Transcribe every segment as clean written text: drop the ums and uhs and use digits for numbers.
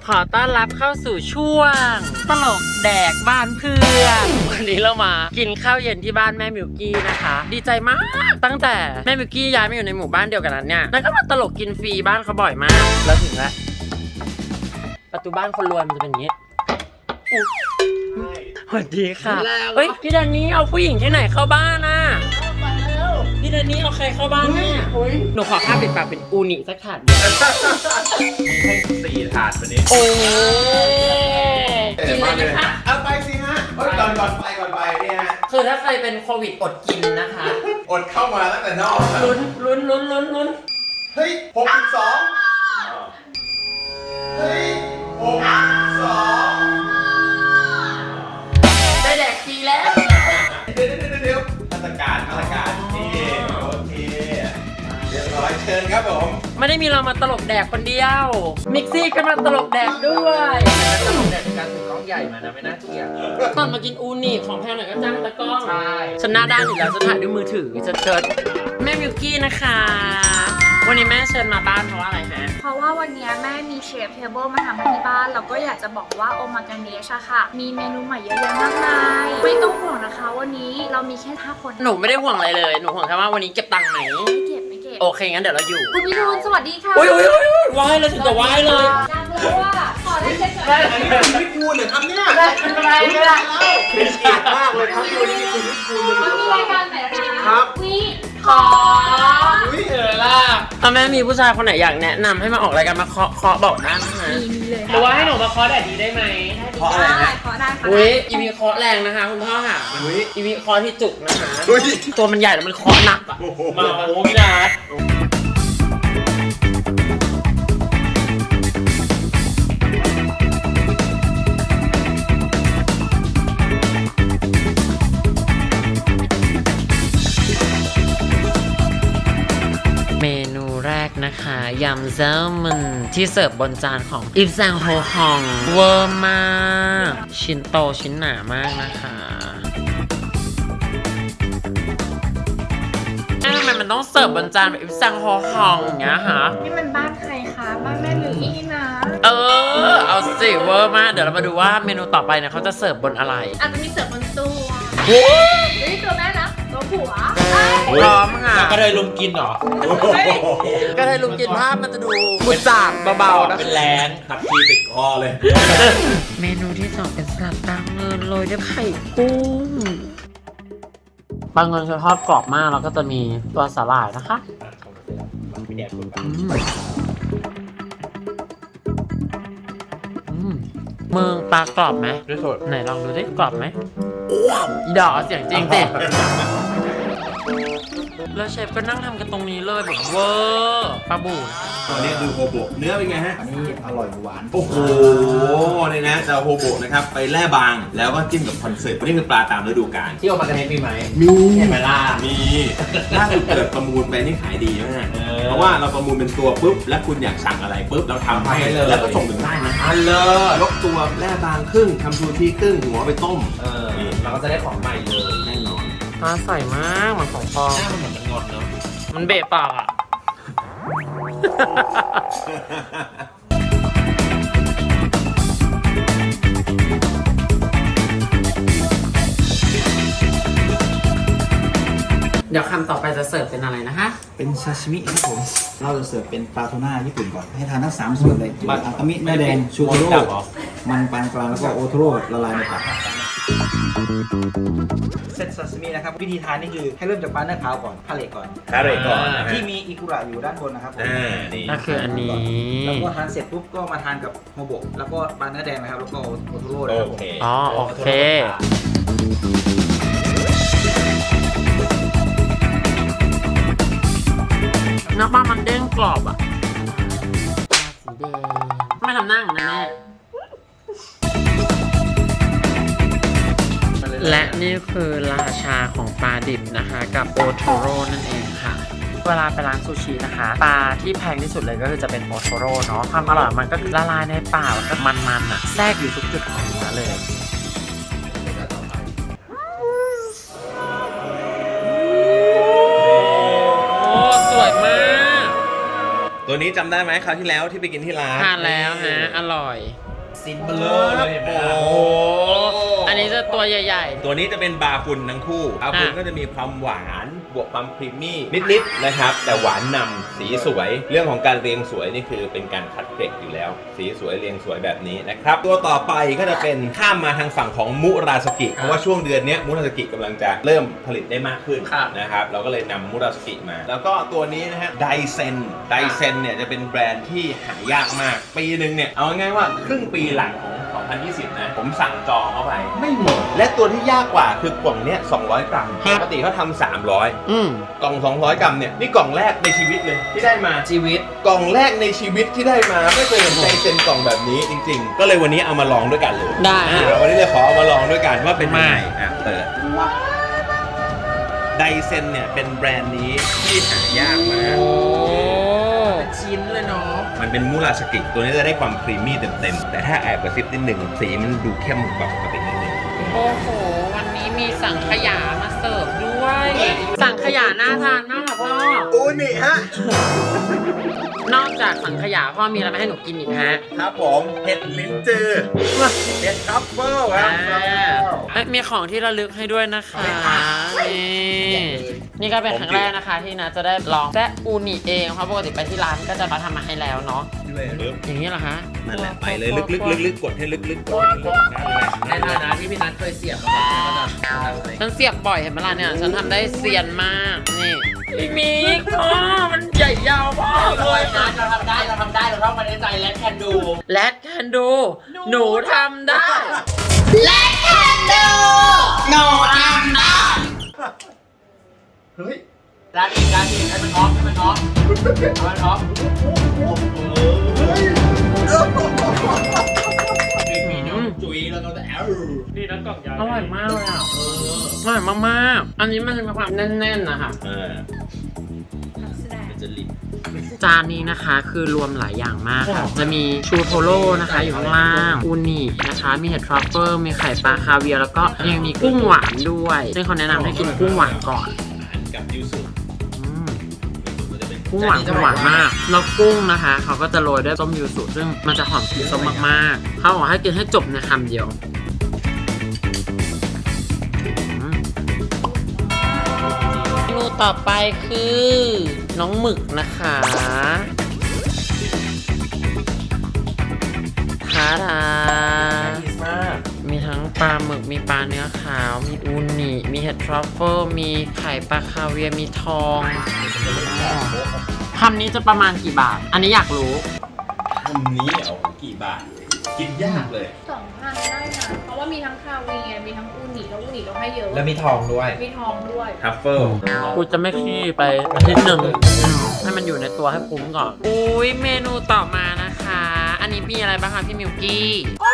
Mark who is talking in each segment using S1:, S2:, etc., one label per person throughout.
S1: ขอต้อนรับเข้าสู่ช่วงตลกแดกบ้านเพื่อนวันนี้เรามากินข้าวเย็นที่บ้านแม่มิวกี้นะคะดีใจมากตั้งแต่แม่มิวกี้ย้ายมาอยู่ในหมู่บ้านเดียวกันนั้นเนี่ยแล้วก็มาตลกกินฟรีบ้านเขาบ่อยมากแล้วถึงแล้วประตูบ้านคนรวยมันจะเป็นอย่างนี้สวัสดีค่ะเฮ้ยพี่แดนนี่เอาผู้หญิงที่ไหนเข้าบ้านน่ะพี่แดนนี่เอาใครเข้าบ้านเนี่ยหนูขอข้าวปิดปากเป็นอูนิสักถาดเดียว
S2: ให้4 ถาดวันนี้
S1: โอ้กินเลยนะคะ
S2: เอาไปสิฮะก่อนไปเนี่ยฮะ
S1: คือถ้าใครเป็นโควิดอดกินนะคะ
S2: อดเข้ามาตั้งแต่นอก
S1: ลุ้น
S2: เฮ้ย62เฮ้ย62
S1: ได้แดกฟรีแล้ว
S2: เดี๋ยวมาตรการนี่โอเคเรียบร้อยเชิญครับผม
S1: ไม่ได้มีเรามาตลกแดกคนเดียวมิกซี่ก็มาตลกแดกด้วยตลกแดกการถือกล้องใหญ่มานะไม่น่าเกลียดตอนมากินอูนิของแพงหน่อยก็จ้างตะกล้องใช่ฉันหน้าด้านอยู่แล้วจะถ่ายด้วยมือถือจะเชิญแม่มิวกี้นะคะวันนี้แม่เชิญมาบ้านเพราะว่าอะไรฮะ
S3: เพราะว่าวันนี้แม่มีเชฟเทเบิลมาทำให้ที่บ้านเราก็อยากจะบอกว่าโอมากาเนชอะค่ะ มีเมนูใหม่เยอะแยะมากมายไม่ต้องห่วงนะคะวันนี้เรามีแค่5 คน
S1: หนูไม่ได้ห่วงอะไรเลยหนูห่วงแค่ว่าวันนี้เก็บตังค์ไหม
S3: ไม่เก็บ
S1: โอเคงั้นเดี๋ยวเราอยู่
S3: คุณพิทูลสวัสดีค่ะ
S1: อุ้ยว้ายเลยถึงกับว้ายเลย
S3: อยากรู้ว่าขอได้เช็คก่อน
S2: อันนี้คุณวิทูลเหรอครับเนี่ย
S1: ไม่เป็นไรไม่เป็นไร
S2: เป็นเกียรติมากเลยครับที่วันนี้คุณวิทูล
S3: มันมีรายการไหนคะ
S2: ครับ
S3: วิขอ
S2: อุ้ย
S1: เออล่ะถ้าแม่มีผู้ชายคนไหนอยากแนะนำให้มาออกรายการมาเคาะบอกได้นะ
S3: มีเลย
S1: หรือว่าให้หนูมาเคาะแดดดีได้ไหม
S2: เพราะอะไรนะ
S3: ขอได้ค่ะ
S1: อุ้ยอีวีเคาะแรงนะคะคุณพ่อค่ะ
S2: อุ้ย
S1: อีวีเคาะที่จุกนะคะ
S2: อุ้ย
S1: ตัวมันใหญ่แล้วมันเคาะหนักอะ
S2: โอ้โห
S1: มาโอ้พี่นัทเมนูแรกนะคะยำแซลมอนที่เสิร์ฟบนจานของอิฟซังโฮฮองเวอร์มากชิ้นโตชิ้นหนามากนะคะทำไมมันต้องเสิร์ฟบนจานแบบอิฟซังโฮฮองอย่างเงี้ยคะ
S3: นี่มันบ้านใครคะบ้านแม่หรืออี้นะ
S1: เอาสิเวอร์มากเดี๋ยวเรามาดูว่าเมนูต่อไปเนี่ยเขาจะเสิร์ฟบนอะไร
S3: อาจจะมีเสิร์ฟบนตู้
S1: โอ้
S3: เฮ้ยตัวแม่นะตัวผัว
S1: พร้อมค่ะ
S4: กระเทยลุมกินเหรอ
S1: ก็เลยลุงกินภาพมันจะดูบุจางเบาๆนะ
S4: เป็นแรงตักทีติดคอเลย
S1: เมนูที่สองเป็นสลัดปลาเงินโรยด้วยไข่กุ้งปลาเงินจะทอดกรอบมากแล้วก็จะมีตัวสาหร่ายนะคะมึงปลากรอบไหม
S4: ด้วยสด
S1: ไหนลองดูสิกรอบไหมอีดอกเสียงจริงสิ แล้วเชฟก็นั่งทำกันตรงนี้เลยแบบเวอร์ปลาบู่
S2: ตัวนี้ดูโฮโบะเนื้อเป็นไงฮะ
S5: อันนี้อร่อยหวาน
S2: โอ้โหเนี่ยนะจะโฮโบะนะครับไปแล่บางแล้วก็จิ้มกับคอนเสิร์ตนี่คือปลาตามฤดูกาล
S4: ที่ออกมากระเทยมีไหม
S2: มี
S4: เห็นไหมล่ะ
S2: มีล่าสุดเกิดประมูลไปนี่ขายดีมากเพราะว่าเราประมูลเป็นตัวปุ๊บแล้วคุณอยากสั่งอะไรปุ๊บเราทำให้แล้วก็ส่งถึงบ้านนะ
S4: อันเลิศ
S2: ยกตัวแล่บางครึ่งทำซูชิครึ่งหัวไปต้ม
S4: เราก็จะได้ของใหม่เลย
S2: แน่นอน
S1: น่าใส่มากมันของฟอง
S4: หน้ามันเหมือนมันงอนเนาะ
S1: มันเบะปากอ่ะ เดี๋ยวคำต่อไปจะเสิร์ฟเป็นอะไรนะคะ
S5: ๆเป็นซาชิมิครับผม เราจะเสิร์ฟเป็นปลาทูน่าญี่ปุ่นก่อน ให้ทานทั้ง3ส่วนเลยคืออากามิเนื้อแดง ชูโทโร่มันปานกลางแล้วก็โอโทโร่ละลายในปาก เซตซาซิมินะครับ วิธีทานนี่คือให้เริ่มจากปลาเนื้อขาวก่อนพาเลตก่อน
S2: คาเรก่อนนะฮะ
S5: ที่มีอิกุระอยู่ด้านบนนะครับผม
S2: นี่
S1: ก็คืออันนี้
S5: แล้วก็ทานเสร็จปุ๊บก็มาทานกับโฮโบะแล้วก็ปลาเนื้อแดงนะครับ แล้วก็โอโทโร่นะครับ
S2: โอ
S5: ผม
S2: เค
S1: อ๋อโอเค น้ำปลามันเด้งกรอบอ่ะสีแดงไม่ทำหน้าอย่างนั้นแน่และนี่คือราชาของปลาดิบนะคะ กับโอโทโร่นั่นเองค่ะ เวลาไปร้านซูชินะคะ ปลาที่แพงที่สุดเลยก็คือจะเป็นโอโทโร่เนาะความอร่อยมันก็คือละลายในปากแล้วก็มันๆอ่ะแทรกอยู่ทุกจุดของเนื้อเลย โอ้สวยมาก
S2: ตัวตัวนี้จำได้ไหมคราวที่แล้วที่ไปกินที่ร้าน
S1: ทานแล้วฮะอร่อย
S4: ซินเบลอเลยเห็นไหมล่ะ
S1: โอ้โหอันนี้จะตัวใหญ่
S2: ตัวนี้จะเป็นบาฟุนทั้งคู่บาฟุน
S1: อ่ะ
S2: ก็จะมีความหวานบวกความครีมมี่นิดๆนะครับแต่หวานนำสีสวยเรื่องของการเรียงสวยนี่คือเป็นการคัดเกรดอยู่แล้ว สีสวยเรียงสวยแบบนี้นะครับตัวต่อไปก็จะเป็นข้ามมาทางฝั่งของมุราสกิเพราะว่าช่วงเดือนนี้มุราสกิกำลังจะเริ่มผลิตได้มากขึ้นนะครับเราก็เลยนำมุราสกิมา แล้วก็ตัวนี้นะฮะไดเซนเนี่ยจะเป็นแบรนด์ที่หายากมากปีหนึ่งเนี่ยเอาง่ายๆว่าครึ่งปีหลังของ 2020 นะผมสั่งจองเข้าไปไม่หมดและตัวที่ยากกว่าคือกล่องเนี้ย200 กรัมปกติเขาทำ300
S1: อืม
S2: กล่อง 200 กรัมเนี่ยนี่กล่องแรกในชีวิตเลยที่ได้มา
S4: ชีวิต
S2: กล่องแรกในชีวิตที่ได้มาไม่เคยเห็นไดเซนกล่องแบบนี้จริงๆ ก็เลยวันนี้เอามาลองด้วยกันเลย
S1: ได้
S2: วันนี้เลยขอเอามาลองด้วยกันว่าเป็นยังไงเปิดไดเซนเนี่ยเป็นแบรนด์นี้ที่หายากมาก
S1: โอ้
S4: เป็นชิ้นเลยเนาะ
S2: มันเป็นมูราสกิตัวนี้จะได้ความครีมมี่เต็มๆแต่ถ้าแอบกระซิบนิดหนึ่งสีมันดูเข้มกว่าปกตินิดนึง
S1: โอ้โหวันนี้มีสังขยามาเสิร์ฟด้วย สังขยาน่าทานมากค่ะพ่อ
S2: อูนี่ฮะ
S1: นอกจากสังขยาพ่อมีอะไรมาให้หนูกินอีกฮะ
S2: ครับผมเห็ดลิ้นจือเห็ดทัฟเฟิลครับ
S1: มีของที่ระลึกให้ด้วยนะคะนี่ก็เป็นครั้งแรกนะคะที่นะจะได้ลองแซะอูนิเองเพราะปกติไปที่ร้านก็จะมาทำมาให้แล้วเนาะอย่างนี้เหรอคะ
S2: นั่นแหละไปเลยลึกๆกดให้ลึกๆกดให้ลึกๆนั่นแหละ
S4: ในฐานะที่พี่นัทเคยเสียบมาก่อนก็จะทำอะไร
S1: ฉันเสียบบ่อยเห็นไหมล่ะเนี่ยฉันทำได้เซียนมากนี่อีกมีอีกอ๋อมันใหญ่ยาวมากเลย
S4: นัทเราทำได้เราเข้ามาในใจและแคนดู
S1: แลดแคนดูหนูทำได้
S2: เฮ้ย
S4: ร้านอีกให้มันออฟให้มันออฟมีน้องจุ๋ยแล้วก็แอลนี่นะกล่องใหญ่
S1: อร่อยมากเลยอ่ะอร่อยมากๆอันนี้มันจะมีความแน่นๆนะคะ
S2: จะลิบ
S1: จานนี้นะคะคือรวมหลายอย่างมากค่ะจะมีชูโทโร่นะคะอยู่ข้างล่างอูนินะคะมีเห็ดทรัฟเฟิลมีไข่ปลาคาเวียร์แล้วก็ยังมีกุ้งหวานด้วยซึ่งเขาแนะนำให้กินกุ้งหวานก่อน
S2: กับยูสุ
S1: อืมกุ้งหวานคือหวานมากแล้วกุ้งนะคะเขาก็จะโรยด้วยต้มยูสุซึ่งมันจะหอมกลิ่นส้มมากๆเขาบอกให้กินให้จบในคำเดียวเมนูต่อไปคือน้องหมึกนะคะทาดามีทั้งปลาหมึกมีปลาเนื้อขาวมีอูนิมีเห็ดทรัฟเฟิลมีไข่ปลาคาเวียร์มีทองคำนี้จะประมาณกี่บาท อันนี้อยากรู้
S2: คำนี้เอากี่บาทกินยากเลย
S3: 2,000 ได้นะ เพราะว่ามีทั้งคาเวียร์มีทั้งอูนิแล้วอูนิเราให้เยอะ
S4: แล้วมีทองด้วย
S3: มีทองด้วย
S2: ทัฟเฟิล
S1: กูจะไม่ขี้ไปอาทิตย์หนึ่งให้มันอยู่ในตัวให้คุ้มก่อน อุ้ยเมนูต่อมานะคะ อันนี้มีอะไรบ้างคะพี่มิวกี้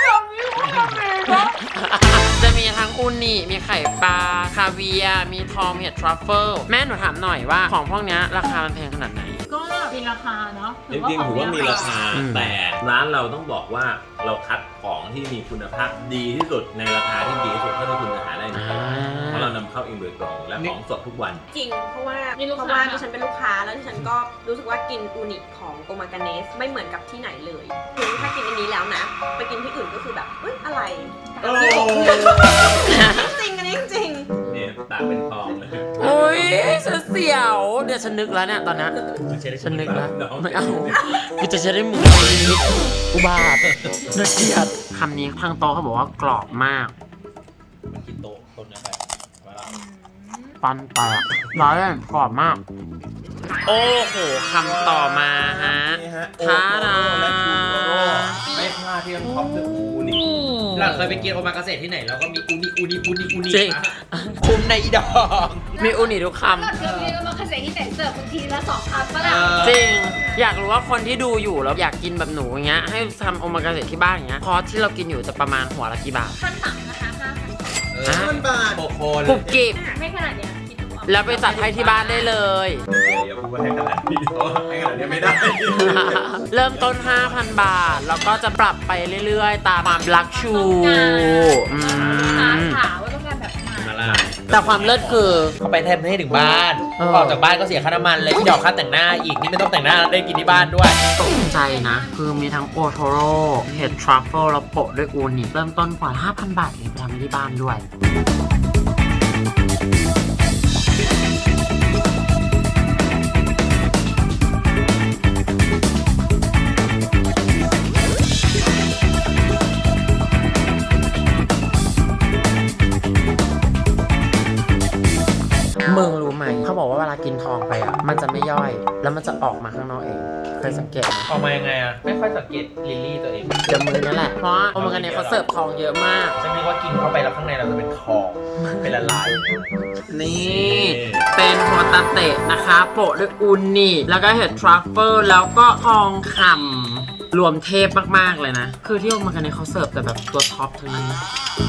S1: จะมีทั้งอูนิมีไข่ปลาคาเวียร์มีทองมีเห็ดทรัฟเฟิลแม่หนูถามหน่อยว่าของพวกเนี้ยราคามันแพงขนาดไหน
S3: ก็มีราคาเนาะ
S2: จริงๆถือว่ามีราคา
S1: อืม
S2: แต่ร้านเราต้องบอกว่าเราคัดของที่มีคุณภาพดีที่สุดในราคาที่ดีที่สุดเท่าที่คุณจะหาได้ในตลาดเพราะเรานำเข้าเองโดยตรงและของสดทุกวัน
S6: จริง เพราะว่า
S3: นี่ลูก
S6: เพ
S3: ค้า
S6: ราะว่าดิฉันเป็นลูกค้าแล้วดิฉันก็รู้สึกว่ากินอูนิของโอมากาเนสไม่เหมือนกับที่ไหนเลยคือถ้ากินอันนี้แล้วนะ ไปกินที่อื่นก็คือแบบเอ้ยอะไร
S2: โอ้
S6: จริงอันนี้จริง
S2: เนี่ยตาเป็นทองเลย
S1: โอ้ยฉันเสียว เดี๋ยวฉันนึกแล้วเนี่ยตอนนี้ฉันนึกแล้วไม่เอากูจะใช้ได้หมูนิดอุบาทน่าเกลียดคำนี้ทางโตะเขาบอกว่ากรอบมาก
S2: มันกินโต๊ะต้นนะไปว่าเรา
S1: ปันแตกร้ายกรอบมาก โอ้โหคำต่อมาฮะ
S2: นี่ฮะ
S1: ทาดา
S2: และชูโรโร่ไม่พลาดที่ต้องท็อปด้วยอูนิ
S4: เราเคยไปกินโอมากาเสะที่ไหนแล้วก็มีอูนิ
S1: จริง
S4: คุ้มในอีดอก
S1: มีอูนิทุกค
S3: เราเรียกว่าคาเซ่ที่แต่เสิร์ฟบางทีละ2 คำก็ได้
S1: ำจริง อยากรู้ว่าคนที่ดูอยู่แล้วอยากกินแบบหนูอย่างเงี้ยให้ทำโอมากาเสะที่บ้านอย่างเงี้ยคอร์สที่เรากินอยู่จะประมาณหัวละกี่บาท
S3: ขั้นต่ำนะคะ5,000
S2: 5,000 บาท
S4: โคโค
S1: กรุบกริบ
S3: ไม่ขนาดเนี้ยคิดดูเอา
S1: แล้วไปจัดให้ที่บ้านได้เลย
S2: อย่าพูดว่าให้ขนาดนี้เพราะให้ขนาดนี้ไม่ได้
S1: เริ่มต้น 5,000 บาท แล้วก็จะปรับไปเรื่อยๆ ตามความรักชู
S3: ต้องการ
S1: อื
S3: ลูกค้าม ถามว่าต้องการแบบไหน
S2: มาล่ะ
S1: แต่ความเลิศคือ
S4: เขาไปแทนให้ถึงบ้าน
S1: เออ
S4: ออกจากบ้านก็เสียค่าน้ำมันเลยดอกค่าแต่งหน้าอีกนี่ไม่ต้องแต่งหน้าได้กินที่บ้านด้วย
S1: ตกใจนะ คือมีทั้งโอโทโร่เห็ดทรัฟเฟิลแล้วโปะด้วยอูนิเริ่มต้นกว่า 5,000 บาทเองไปทำที่บ้านด้วย มึงรู้ไหม เขาบอกว่าเวลากินทองไปอ่ะ มันจะไม่ย่อย แล้วมันจะออกมาข้างนอกเอง เคยสังเกตไหม
S4: ออกมายังไงอะไม่ค่อยสังเกตลิลลี่ตัวเอง
S1: เดี๋ยวมือนั่นแหละ เพราะว่าโอมากันเนี่ยเขาเสิร์ฟทองเยอะมาก
S4: ฉันคิดว่ากินเข้าไปแล้วข้างในเราจะเป็นทองเป็นละลาย
S1: นี่ เป็นโฮตาเตะนะคะ โปะด้วยอูนิแล้วก็เห็ดทรัฟเฟิลแล้วก็ทองคำรวมเทพมาก ๆ เลยนะ คือที่โอมากันเนี่ยเขาเสิร์ฟแต่แบบตัวท็อปทั้งนั้นนะ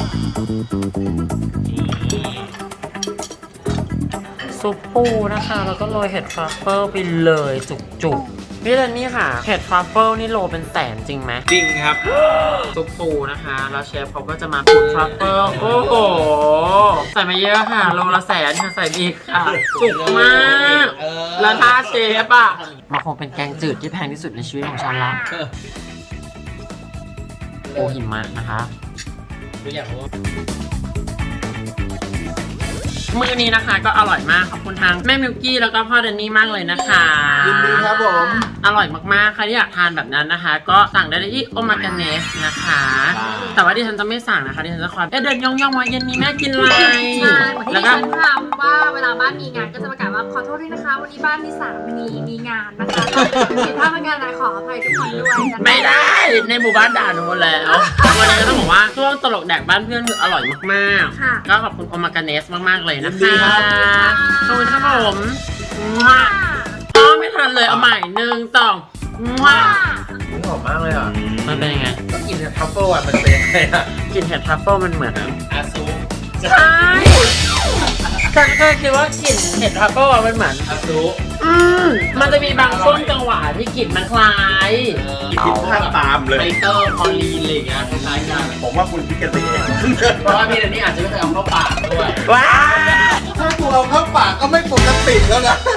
S1: ซุปปูนะคะ แล้วก็โรยเห็ดทรัฟเฟิลไปเลยจุกๆพี่เดนนี่ค่ะ เห็ดทรัฟเฟิลนี่โลเป็นแสนจริงไหม
S2: จริงครับ
S1: ซุปปูนะคะ แล้วเชฟเขาก็จะมาปูทรัฟเฟิลโอ้โห ใส่มาเยอะค่ะ โลละแสนค่ะ ใส่อีกค่ะ จุกมาก แล้วถ้าเชฟอ่ะมันคงเป็นแกงจืดที่แพงที่สุดในชีวิตของฉันละโอหิมะนะคะ
S4: รู้อย่างว่า
S1: มื้อนี้นะคะก็อร่อยมาก ขอบคุณทางแม่มิวกี้แล้วก็พ่อเดนนี่มากเลยนะคะ
S5: ยินดีครับผม
S1: อร่อยมากๆ ใครที่อยากทานแบบนั้นนะคะ ก็สั่งได้ที่โอมากาเนสนะคะ แต่ว่าดิฉันจะไม่สั่งนะคะดิฉันจะคอยเดินย่องๆมาเย็นนี้แม่กินอะไร
S3: ใช่เหมือนที่
S1: แล้ว
S3: ดิ
S1: ก็
S3: ฉันทำว่าเวลาบ้านมีงานก็จะประกาศว่าขอโทษด้วยนะคะ วันนี้บ้านที่3มีงานนะคะผิดพลาดประการใดขออภัยทุกคนด้วยนะคะ
S1: ไม่ได้ในหมู่บ้านด่าหนูหมดแล้ววันนี้ก็ต้องบอกว่าช่วงตลกแดกบ้านเพื่อนคืออร่อยมาก
S3: ค่ะ
S1: ๆก็ขอบคุณโอมากาเนสมากๆเลยนะ
S5: ยิน
S1: คะ
S5: ดีครับ
S1: ขอบคุณครับผมว้าอ๋อไม่ทันเลยเอาใหม่1 2ว้า
S4: หอมมากเลยอ่ะ
S1: มันเป็นยังไง
S4: ก็กินทัฟเฟิลอ่ะมันเป็นยังไงอ่ะ
S1: กลิ่นเห็ดทรัฟเฟิลมันเหมือน
S4: อาซู
S1: ใช่ฉันเคยคิดว่ากลิ่นเห็ดทรัฟเฟิลอะมันเหมือน
S4: อาซู
S1: มันจะมีบางช่วงจังหวะที่กลิ่นมันคล้าย
S2: คิดภาพตามเลย
S4: ไฟเตอร์คอลีนอะไรอย่างเงี้ยคล้ายๆกัน
S2: ผมว่าคุณคิดกันเอง
S4: เพราะว่าพี่เดนนี่อาจจะไม่เคยเอาเข้าปากด้วย
S1: ว้า
S5: ถ้ากูเอาเข้าปากก็ไม่ปกติแล้วนะ